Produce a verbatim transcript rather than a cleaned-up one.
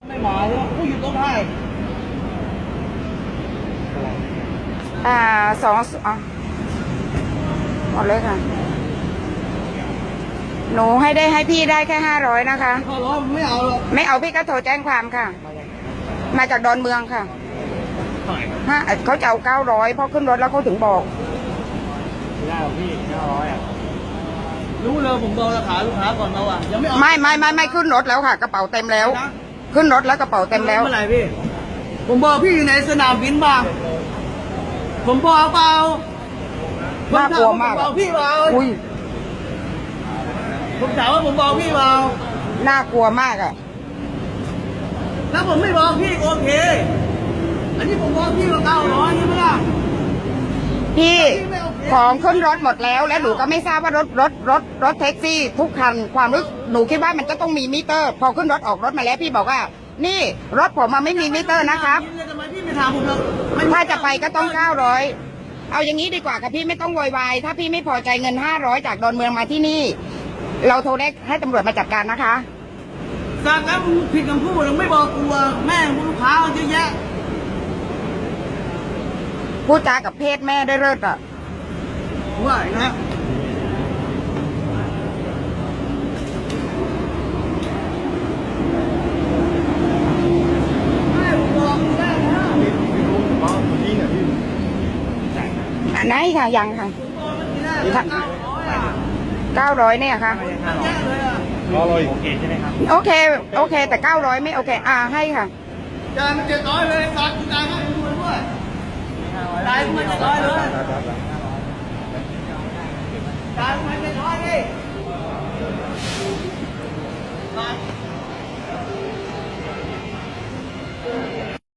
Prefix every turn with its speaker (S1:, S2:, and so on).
S1: ไม่มาเลยผู้อยู่ตรงไหน
S2: อ่าสองอ่ะหมดเลยค่ะหนูให้ได้ให้พี่ได้แค่ห้าร้อยนะคะ
S1: พอร้องไม่เอาหรอก
S2: ไม่เอาพี่ก็โทรแจ้งความค่ะ มาจากดอนเมืองค่ะฮะเขาจะเอาเก้าร้อยเพราะขึ้นรถแล้วเขาถึงบอก
S1: ไม่ได้หรอกพี่เก้าร้อยอ่ะรู้เลยผมบอกราคาลูกค้าก่อนเราอ่ะยังไม่เอา
S2: ไม่ไม่ไม่ไม่ขึ้นรถแล้วค่ะกระเป๋าเต็มแล้วขึ้นรถแล้วกระเป๋าเต็มแล้ว
S1: เมื่อไหร่พี่ผมบอกพี่อยู่ในสนามบินบ้างผมบอกเปล่า
S2: น่ากลัวมาก
S1: บอกพี่เปล่า
S2: อุ้ย
S1: ผมถามว่าผมบอกพี่เปล่า
S2: น่ากลัวมากอ่ะ
S1: แล้วผมไม่บอกพี่โอเคอันนี้ผมบอกพี่ว่าเก้าร้อยใช่ไหมล่ะ
S2: พี่ของขึ้นรถหมดแล้วและหนูก็ไม่ทราบว่ารถรถรถรถแท็กซี่ทุกคันความรู้หนูคิดว่ามันจะต้องมีมิเตอร์ พอขึ้นรถออกรถมาแล้วพี่บอกว่านี่รถผมมาไม่มีมิเตอร์นะครับถ้าจะไปก็ต้องเก้าร้อยเอาอย่างนี้ดีกว่าค่ะพี่ไม่ต้องโวยวายถ้าพี่ไม่พอใจเงินห้าร้อยจากดอนเมืองมาที่นี่เราโทรได้ให้ตำรวจมาจัดการนะคะ
S1: สั่งแล้วผิดคำพูดเราไม่บอกกลัวแม่ลูกค้าเยอะแยะ
S2: พูดจากับเพศแม่ได้เลิศอ่ะ
S1: ว่านะ
S2: ไหนค่ะยังค่ะเก้าร้อยเนี่ยค่ะ
S1: ร้อยโอเคใช่ไหมครับ
S2: โอเคโอเคแต่เก้าร้อยไม่โอเคอ่าให้ค่ะ
S1: จานมันเจ็ดร้อยเลยการจานให้ดูด้วยจานมันเจ็ดร้อยเลยจานมันเจ็ดร้อยดิ